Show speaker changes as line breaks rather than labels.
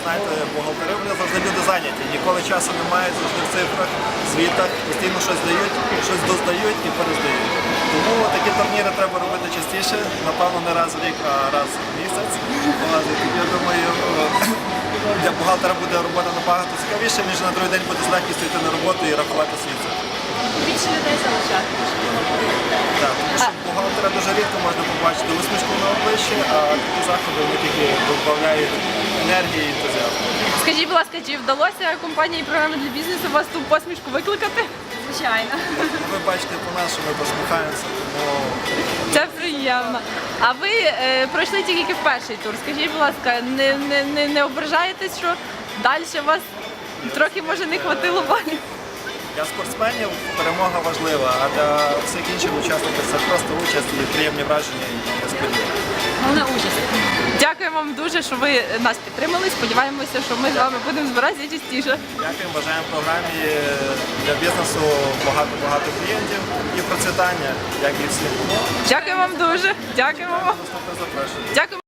знаєте, бухгалтери, вони завжди люди зайняті. Ніколи часу немає, завжди в цифрах, звітах, постійно щось дають, щось доздають і перездають. Тому такі турніри треба робити частіше, напевно, не раз в рік, а раз в місяць. Я думаю, для бухгалтера буде робота набагато цікавіше, ніж на другий день буде з легкістю йти на роботу і рахувати свій цифр.
Більше людей залишати.
Так, тому що бухгалтера дуже рідко можна побачити усмішку на обличчі, а такі заходи вони тільки додають енергії і ентузіазму.
Скажіть, будь ласка, чи вдалося компанії програми для бізнесу вас ту посмішку викликати? Звичайно.
Ви бачите по нас, що ми посміхаємося, тому
Це приємно. А ви пройшли тільки в перший тур. Скажіть, будь ласка, не ображаєтесь, що далі вас трохи, може, не хватило балів?
для спортсменів перемога важлива, а для всіх інших учасників це просто участь і приємні враження і несподівання.
Головне участь. Дякую вам дуже, що ви нас підтримали. Сподіваємося, що ми з вами будемо збиратися частіше.
Дякуємо, бажаємо програмі для бізнесу багато клієнтів і процвітання, як і всім.
Дякую вам дуже. Дякуємо вам.
Наступне запрошення.
Дякуємо.